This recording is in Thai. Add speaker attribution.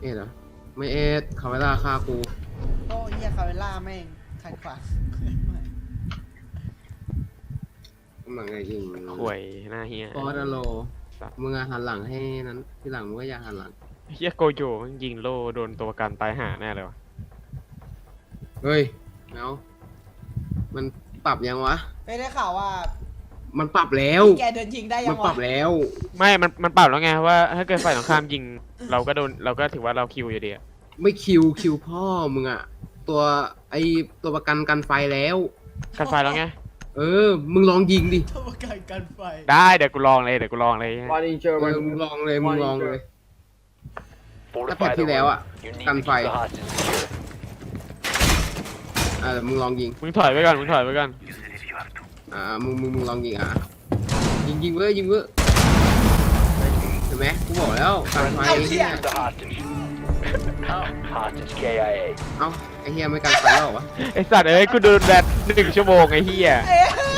Speaker 1: อ็ดเหรอไม่เอ็ดคาเวล่าฆ่ากู
Speaker 2: โอ้เฮียคาเวล่าแม่งขัดขวาง
Speaker 1: มันไงยิง
Speaker 3: ห่วยหน้าเฮีย
Speaker 1: ฟอร์ดโลมึงอะหันหลังให้นั้นที่หลังมึงก็อย่าหันหลัง
Speaker 3: เฮียโกโจมันยิงโล่โดนตัวประกันตายห่าแน่เลยวะ
Speaker 1: เฮ้ยเนามันปรับยังวะ
Speaker 2: ไปได้ข่าวว่า
Speaker 1: มันปรับแล้ว
Speaker 2: แกเดินยิงได้ยั
Speaker 1: มัน
Speaker 2: ง
Speaker 1: ปรั
Speaker 2: วะ
Speaker 1: บแล้ว
Speaker 3: ไม่มันปรับแล้วไงว่าถ้าเกิดฝ่ายตรงข้ามยิงเราก็โดนเราก็ถือว่าเราคิวอยู่ดีอะ
Speaker 1: ไม่คิวพ่อมึงอะตัวไอตัวประกันกันไฟแล้ว
Speaker 3: กันไฟแล้วไง
Speaker 1: มึงลองยิงดิ
Speaker 2: ทำการกันไฟ
Speaker 3: ได้เดี๋ยวกูลองเลย
Speaker 4: One in German.
Speaker 1: มึงลองเลยมึงลองเลย ถ้าแพทที่แล้วอะกันไฟมึงลองยิง
Speaker 3: มึงถอยไปก่อน
Speaker 1: มึงลองยิงยิงเว้ยยิงเว้ยเห็นไหมกูบอกแล้วกันไฟเนี่ย
Speaker 5: Hostage KIA.
Speaker 1: เอ้าไอเฮียไม่กันไฟแล้วเหรอวะ
Speaker 3: ไอสัตว์เอ้ยกูโดนแบต1 ชั่วโมงไอเฮีย
Speaker 2: เอ้ย